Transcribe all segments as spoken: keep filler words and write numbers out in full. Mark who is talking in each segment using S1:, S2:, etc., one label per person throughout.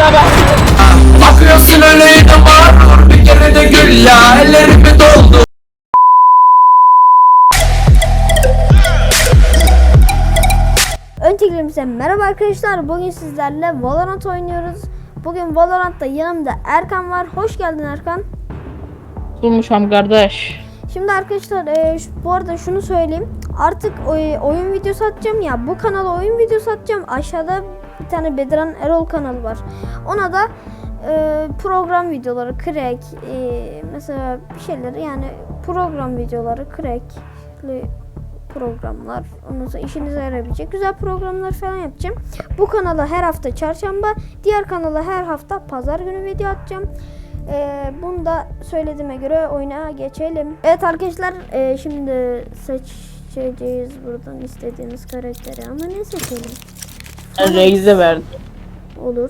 S1: Bakıyorsun öyle inanma. Bir kere de gül ya. Ellerimi doldu.
S2: Öncelikle merhaba arkadaşlar. Bugün sizlerle Valorant oynuyoruz. Bugün Valorant'ta yanımda Erkan var. Hoş geldin Erkan.
S3: Durmuşam kardeş.
S2: Şimdi arkadaşlar e, şu, bu arada şunu söyleyeyim. Artık oy, oyun videosu atacağım ya. Bu kanala oyun videosu atacağım. Aşağıda bir tane Bedran Erol kanalı var. Ona da e, program videoları, crack, e, mesela bir şeyleri yani program videoları, crackli programlar, ondan sonra işinize yarayabilecek güzel programlar falan yapacağım. Bu kanala her hafta çarşamba, diğer kanala her hafta pazar günü video atacağım. Ee, bunu da söylediğime göre oyuna geçelim. Evet arkadaşlar, e, şimdi seçeceğiz buradan istediğiniz karakteri ama ne seçelim?
S3: Reis'e verdim.
S2: Olur.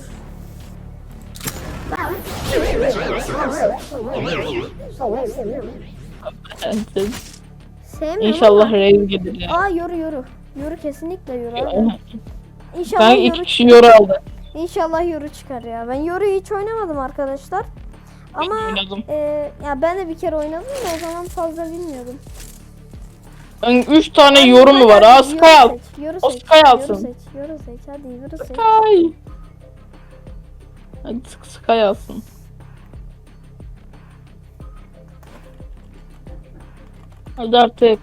S2: Sevmiyorum
S3: İnşallah
S2: ama-
S3: Reis gelir ya.
S2: Aa yoru yoru. Yoru kesinlikle yoru abi.
S3: Ben
S2: İnşallah
S3: iki
S2: yoru
S3: kişi yoru aldı.
S2: İnşallah yoru çıkar ya. Ben yoruyu hiç oynamadım arkadaşlar. Ama
S3: oynadım.
S2: e, ya ben de bir kere oynadım da o zaman fazla bilmiyordum.
S3: Ben üç tane
S2: Hadi,
S3: yoru mu var?
S2: hadi,
S3: Aa
S2: yoru
S3: Sky al.
S2: seç, yoru
S3: O
S2: seç,
S3: Sky
S2: yoru
S3: alsın.
S2: seç, yoru seç, hadi yoru seç.
S3: Sky. Hadi Sky alsın. Hadi artık.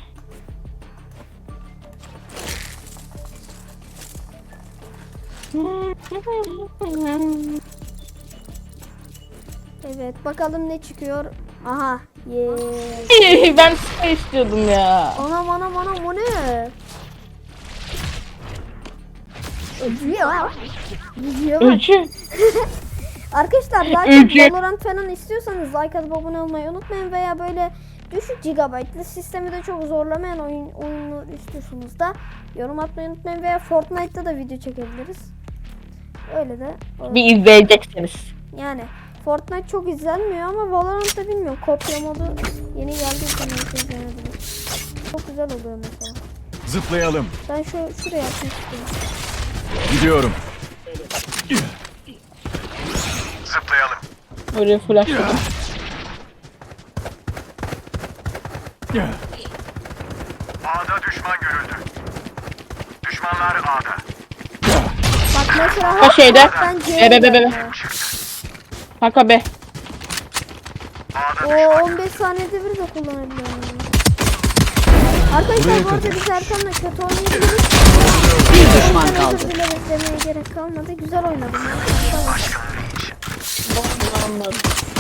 S2: Evet bakalım ne çıkıyor. Aha. Yeah.
S3: Ben Sky istiyordum ya.
S2: Anam anam anam o ne? Öcüyor. Öcüyor bak.
S3: Öcü.
S2: Arkadaşlar daha çok
S3: Öcü.
S2: Valorant falan istiyorsanız like atıp abone olmayı unutmayın veya böyle düşük gigabaytlı sistemi de çok zorlamayan oyun oyunu istiyorsanız da yorum atmayı unutmayın veya Fortnite'da da video çekebiliriz. Öyle de olur.
S3: Bir izleyeceksiniz.
S2: Yani Fortnite çok izlenmiyor ama Valorant'ta bilmiyorum. Kopya modu yeni geldiği için herkes izlenebilir. Çok güzel oluyor mesela.
S4: Zıplayalım.
S2: Ben şu şuraya atmak istiyorum.
S4: Gidiyorum. Zıplayalım.
S3: Öyle flashladım.
S4: A'da düşman görüldü. Düşmanlar A'da.
S2: Bak mesela
S3: O şeyde.
S2: ben C'ye
S3: Be be be be.
S2: geldim ya.
S3: Kanka be.
S2: O on beş saniyede bir de kullanabiliyorum. yani. Arkadaşlar bu arada biz Erkan'la kötü oynayabiliriz. Bir düşman kaldı. Özür bile beklemeye gerek kalmadı. Güzel oynadım. ya. Tamam.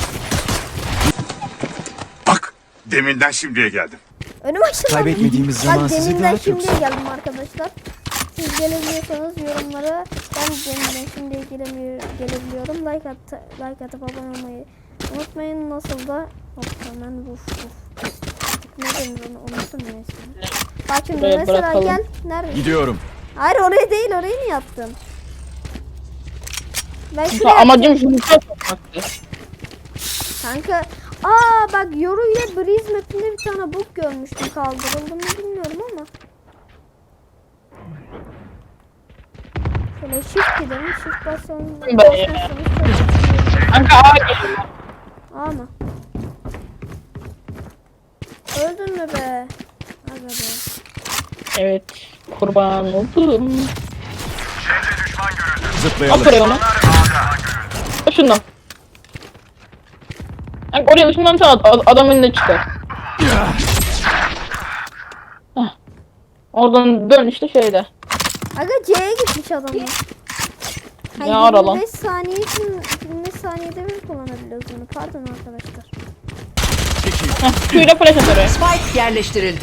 S4: Bak. Deminden şimdiye geldim.
S2: Önüm açıldı.
S5: Kaybetmediğimiz zaman
S2: Bak
S5: sizi
S2: deminden
S5: daha çok
S2: şimdiye geldim arkadaşlar. Siz gelebiliyorsanız yorumlara ben deminden şimdiye gelemiyor, gelebiliyorum. Like at, like atıp abone olmayı unutmayın. Nasıl da hop hemen vuf vuf. Ne denir onu unuttum ya şimdi. Bak şimdi
S3: Buraya
S2: mesela
S3: bırakalım.
S2: gel. Nerede?
S4: Gidiyorum.
S2: Hayır oraya değil, orayı niye yaptın? Ben
S3: Kanka
S2: şuraya
S3: amacım şunu sokmaktı.
S2: Kanka aa bak Yoru ile Breeze map'inde bir tane bug görmüştüm, kaldırıldı mı bilmiyorum ama. Şöyle shift gidelim, shift basalım.
S3: Ben ya. Kanka A geliyor.
S2: Ama. Öldün mü be? Aga be.
S3: Evet. Kurban oldum.
S4: Zıplayalım.
S3: At oraya onu. At şundan. Kanka oraya ışından çal, ad- adam önüne çıkar. Heh. Oradan dön işte şeyde.
S2: Aga C'ye gitmiş adamlar. Ha,
S3: Ne ara lan?
S2: yirmi beş saniye için yirmi beş saniyede bir kullanabiliyoruz bunu. Pardon arkadaşlar.
S3: Heh, Q'yla flash at oraya.
S6: Spike yerleştirildi.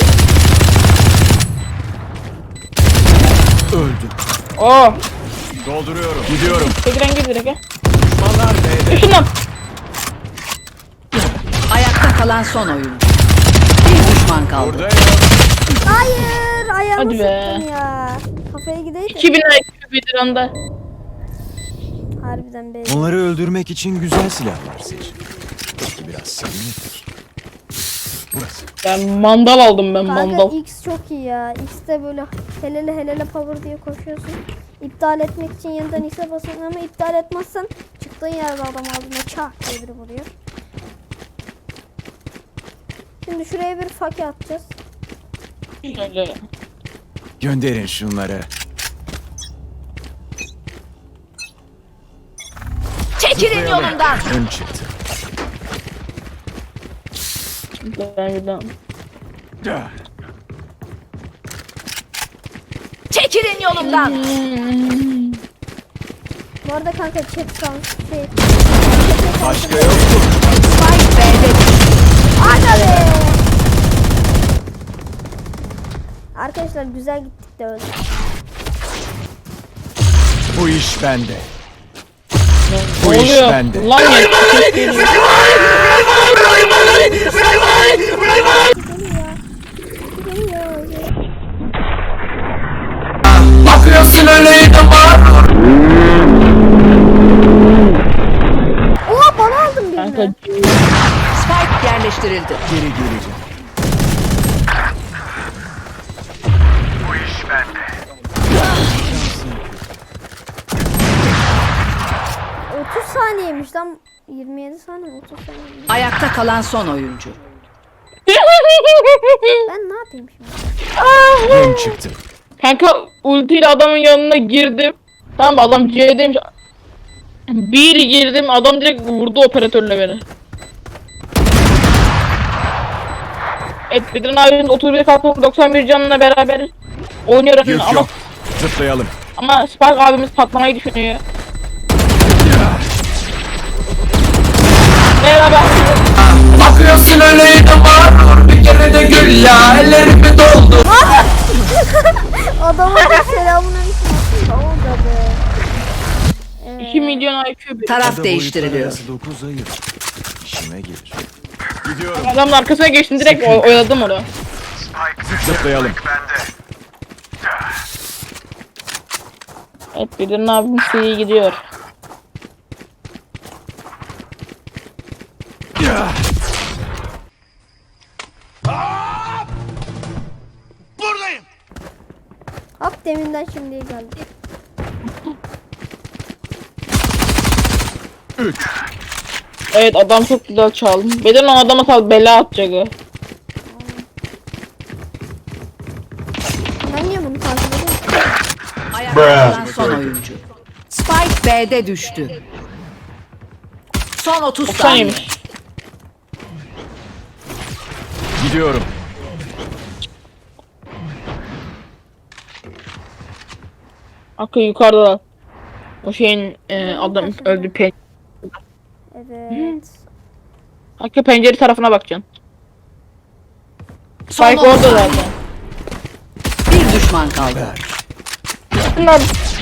S4: Öldüm.
S3: Oo.
S4: Dolduruyorum. Gidiyorum.
S3: Tekren gir direkt ya.
S4: Düşmanlar B'de.
S3: Işından.
S6: Ayakta kalan son oyun. Bir düşman kaldı.
S4: Buradayım.
S2: Hayır, ayağımı
S3: Hadi be.
S2: sıktım ya. Kafaya gideydi.
S3: iki bin I Q bir anda.
S2: Harbiden be.
S5: Onları öldürmek için güzel silahlar seç. Belki biraz samimidir. Burası.
S3: Ben mandal aldım ben
S2: Kanka
S3: mandal.
S2: X çok iyi ya. X'te böyle helele helele power diye koşuyorsun. İptal etmek için yeniden X'e basın ama iptal etmezsen çıktığın yerde adam ağzına çak diye biri vuruyor. Şimdi şuraya bir fake atacağız.
S3: Öyle.
S5: Gönderin şunları.
S6: Çekilin yolumdan.
S5: Ön çıktı.
S3: Ben gidem.
S6: Çekilin yolumdan.
S2: Bu arada kanka chat sound şey.
S5: Başka yok mu?
S6: Spike B'de düştü.
S2: Aga be! Arkadaşlar güzel gittik de öyle.
S5: Bu iş bende.
S3: Ne
S5: Bu iş
S3: oluyor?
S5: bende.
S3: Lan ya. Ses geliyor.
S2: Geliyor.
S1: Bakıyorsun öyle inanma.
S2: Oha bana aldım
S3: Kanka
S2: birini.
S6: Spike yerleştirildi.
S5: Geri geleceğim.
S4: Bu iş bende.
S2: otuz saniyeymiş lan. yirmi yedi saniye otuz saniye.
S6: Ayakta kalan son oyuncu.
S2: Ben ne yapayım şimdi?
S5: Ön çıktı.
S3: Kanka ultiyle adamın yanına girdim. Tamam adam C'deymiş. Bir girdim adam direkt vurdu operatörle beni. Evet Bedran abinin otuz bir kalkan doksan bir canına beraber oynuyor
S5: Yük
S3: ama,
S5: yok. Zıplayalım.
S3: ama Spark abimiz patlamayı düşünüyor. Merhaba.
S1: Bakıyorsun öyle inanma. Bir kere de gül ya. Ellerimi doldu.
S2: Adama da selamun aleyküm. Ne oldu be?
S3: iki milyon I Q bir.
S6: Taraf
S5: Ada
S6: değiştiriliyor.
S5: boyutları arası dokuz ayır. İşime gelir. Gidiyorum.
S3: Adamın arkasına geçtim direkt oy- oyladım onu.
S5: Zıplayalım.
S4: Bende.
S3: Evet Bedran abimiz iyi gidiyor.
S4: Buradayım.
S2: Hop deminden şimdiye geldi.
S5: Üç.
S3: Evet adam çok güzel çaldı. Bedran o adama sal bela atacak o.
S2: Ben niye bunu takip ediyorum?
S6: Ayakta kalan son oyuncu. Spike B'de düştü. Son otuz
S3: doksan
S6: saniye.
S3: yemiş.
S5: Gidiyorum.
S3: Akı yukarıda. O şeyin e, adam öldü pen.
S2: Evet.
S3: Akı pencere tarafına bakacaksın.
S6: Son
S3: Spike
S6: otuz
S3: orada
S6: saniye.
S3: zaten.
S6: Bir düşman kaldı.
S3: Bunlar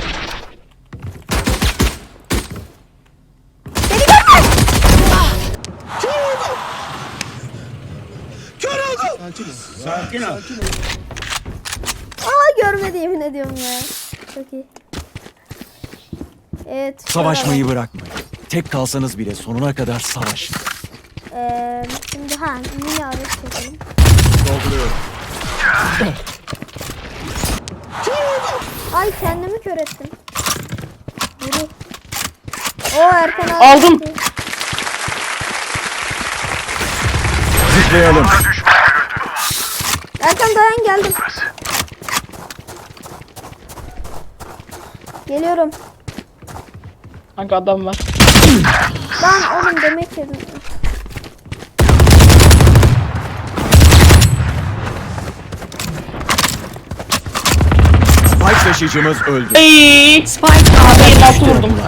S2: Aa görmedi yemin ediyorum ya. Çok iyi. Evet.
S5: Savaşmayı bırakmayın. Tek kalsanız bile sonuna kadar savaşın.
S2: Eee şimdi ha mini alet çekelim.
S5: Dolduruyorum.
S2: Ay kendimi kör ettim. Yürü. O Erkan abi.
S3: Aldım.
S5: Zıplayalım.
S2: Erkan dayan geldim. Geliyorum.
S3: kanka adam var.
S2: Lan oğlum demek yedim.
S5: Spike taşıyıcımız öldü.
S3: Eee.
S6: Spike
S3: Abi
S6: A'da
S3: nasıl
S6: düştü.
S3: vurdum?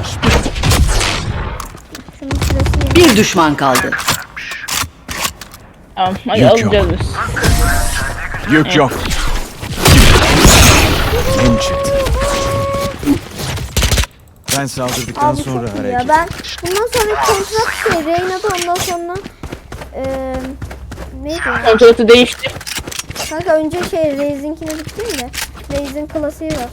S2: Şunun sırası yedim.
S6: Bir düşman kaldı.
S3: Tamam hadi
S5: Yük
S3: alacağız
S5: yok.
S3: biz.
S5: Yük yok. Ön çıktı. Ben saldırdıktan
S2: Abi
S5: sonra
S2: çok iyi
S5: hareket.
S2: ya. Ben bundan sonra kontrat şey Reyna'da ondan sonra eee neydi ya?
S3: Kontratı değişti.
S2: Kanka önce şey Raze'inkine gittim de Raze'in klasiği var.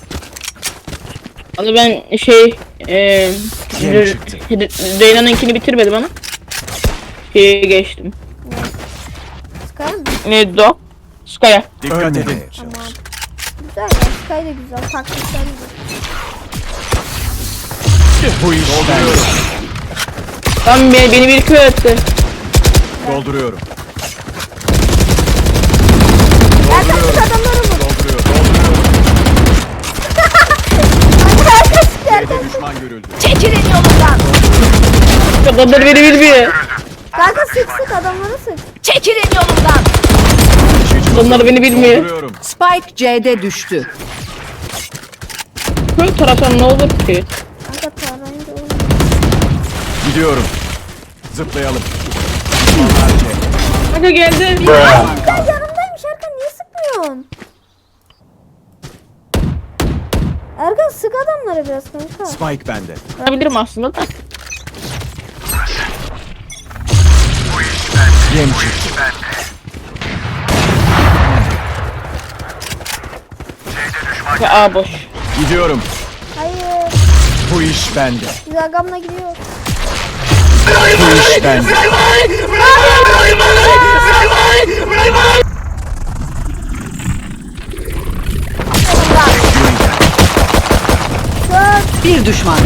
S3: Hani ben şey eee
S5: Yem çıktı.
S3: Reyna'nınkini bitirmedim ama. Şeye geçtim.
S2: Sky mı?
S3: Neydi o? Sky'a.
S5: Dikkat edin.
S2: Tamam. Güzel ya. Sky da güzel. Taktikler güzel.
S5: Bu iş bende.
S3: Lan beni, beni bir köy etti.
S5: Dolduruyorum.
S2: Erkan sık adamları vur.
S5: Dolduruyorum. Dolduruyorum.
S2: Erkan sık Erkan.
S5: B'de düşman görüldü.
S6: Çekilin yolundan.
S3: Adamlar beni bilmiyor.
S2: Kanka sık sık adamları sık.
S6: Çekilin yolundan.
S3: Adamlar beni bilmiyor.
S5: Dolduruyorum.
S6: Spike C'de düştü.
S3: Köy taraftan ne olur ki?
S2: Kanka tarayınca olur.
S5: Gidiyorum. Zıplayalım. Düşmanlar C.
S3: Kanka geldi.
S2: Erkan yanımdaymış Erkan niye sıkmıyorsun? Erkan sık adamları biraz kanka.
S5: Spike bende.
S3: Yapabilirim aslında da.
S5: Yem çıktı.
S3: Ve A boş.
S5: Gidiyorum.
S2: Hayır.
S5: Bu iş bende.
S2: Biz agamla gidiyor.
S5: Bu iş bende.
S2: Sık.
S6: Bir düşman.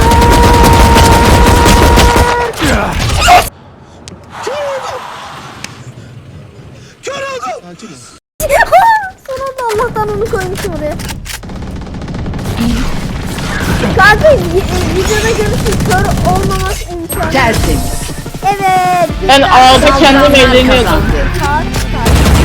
S2: Sonunda Allah'tan onu koymuşum oraya. Kanka y- e, videoda görürsün kör olmamak imkanı.
S6: Tertemiz.
S2: Evet.
S3: Ben
S2: güzel.
S3: A'da kendim
S6: Saldıranlar
S3: eğleniyordum.
S6: kazandı.
S2: Saat, saat.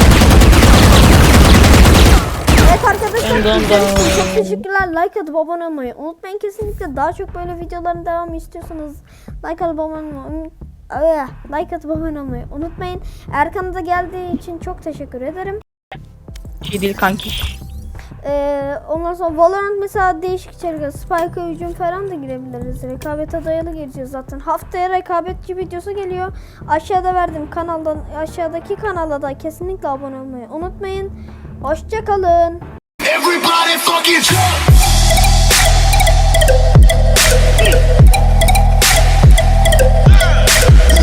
S2: Evet arkadaşlar
S3: Dın dın
S2: izlediğiniz için
S3: dın.
S2: çok teşekkürler. Like atıp abone olmayı unutmayın kesinlikle. Daha çok böyle videoların devamı istiyorsanız like atıp abone olmayı Ah, like atıp abone olmayı unutmayın. Erkan'a da geldiği için çok teşekkür ederim.
S3: Şey değil kanki.
S2: Ee, ondan sonra Valorant mesela değişik içerikler, Spike'a hücum falan da girebiliriz. Rekabete dayalı gireceğiz zaten. Haftaya rekabetçi videosu geliyor. Aşağıda verdim kanaldan, aşağıdaki kanala da kesinlikle abone olmayı unutmayın. Hoşça kalın.
S4: Everybody fucking jump.